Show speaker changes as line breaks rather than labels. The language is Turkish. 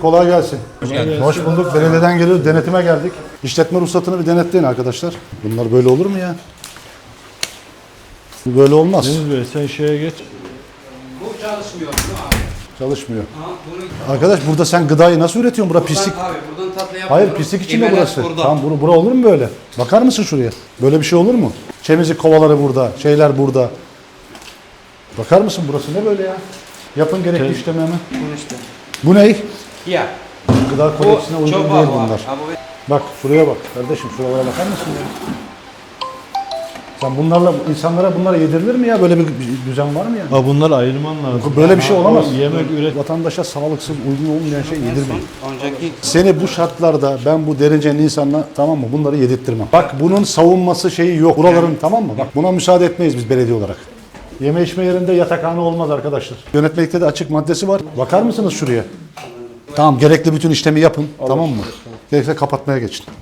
kolay gelsin.
geldiniz.
Hoş bulduk. Belediyeden geliyoruz. Denetime geldik. İşletme ruhsatını bir denetleyin arkadaşlar. Bunlar böyle olur mu ya? Bu böyle olmaz.
Deniz Bey sen şeye geç.
Bu çalışmıyor değil mi abi?
Çalışmıyor.
Ha, bunu
Arkadaş burada sen gıdayı nasıl üretiyorsun? Bura pislik.
Abi buradan tatlı yapıyorum.
Hayır pislik için mi
İmeler
burası?
burada.
Tamam bura olur mu böyle? Bakar mısın şuraya? Böyle bir şey olur mu? Temizlik kovaları burada, şeyler burada. Bakar mısın burası ne böyle ya? Yapın gerekli işlemi hemen.
Bunu işte.
Bu ne?
Ya.
Gıda kodeksine
Bu
uygun
çok
değil
pahalı
bunlar.
abi. Abi
Bak şuraya bak kardeşim şuralara bakar mısın ya? Sen bunlarla insanlara bunlara yedirilir mi ya? Böyle bir düzen var mı ya?
Ha bunları ayırman lazım.
Böyle bir şey olamaz.
O yemek üret.
Vatandaşa sağlıksız, uygun olmayan şey yedirmeyin.
önceki
Seni bu şartlarda ben bu derecenin insanla tamam mı bunları yedirttirmem. Bak bunun savunması şeyi yok. Buraların tamam mı? Bak buna müsaade etmeyiz biz belediye olarak. Yeme içme yerinde yatakhane olmaz arkadaşlar. Yönetmelikte de açık maddesi var. Bakar mısınız şuraya? Tamam gerekli bütün işlemi yapın tamam mı? Gerekirse kapatmaya geçin.